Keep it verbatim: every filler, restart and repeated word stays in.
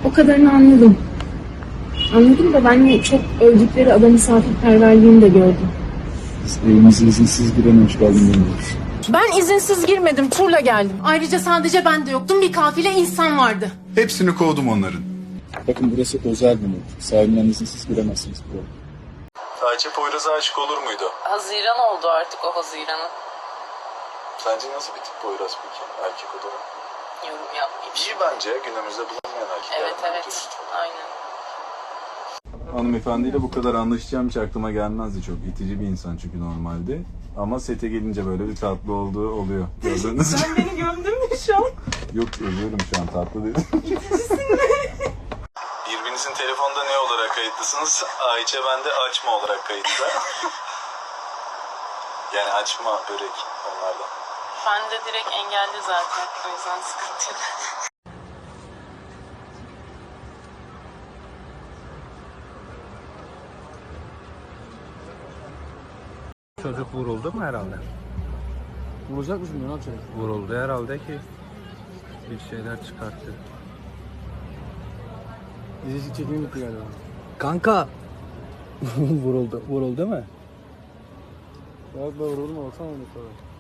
O kadarını anladım. Anladım da ben çok öldükleri ada misafirperverliğini de gördüm. Biz evimize izinsiz giren hoş geldin demiyoruz. Ben izinsiz girmedim, turla geldim. Ayrıca sadece ben de yoktum, bir kafile insan vardı. Hepsini kovdum onların. Bakın burası özel bir not. Sahibinden izinsiz giremezsiniz buraya. Ayça Poyraz'a aşık olur muydu? Haziran oldu artık o Haziran'ın. Sence nasıl bir tip Poyraz peki erkek olarak? Yorum yapmayayım. İyi bence günümüzde bulunmayan erkekler. Evet evet, aynen. Hanımefendiyle bu kadar anlaşacağım hiç aklıma gelmezdi, çok itici bir insan çünkü normalde. Ama sete gelince böyle bir tatlı olduğu oluyor. Gördüğünüz gibi. Sen beni gömdün mü şu an? Yok, ölüyorum şu an, tatlı dedim. Birbirinizin telefonda ne olarak kayıtlısınız? Ayça bende açma olarak kayıtlı. Yani açma börek onlardan. Ben de direkt engelli zaten, o yüzden sıkıntı yok. Çocuk vuruldu mu herhalde? Vuracak mısın? Ne yapacak? Vuruldu herhalde ki bir şeyler çıkarttı. İzleyici çekimi bitti galiba. Kanka! vuruldu. Vuruldu mu? Bak bak vuruldu mu? Baksana onu sonra.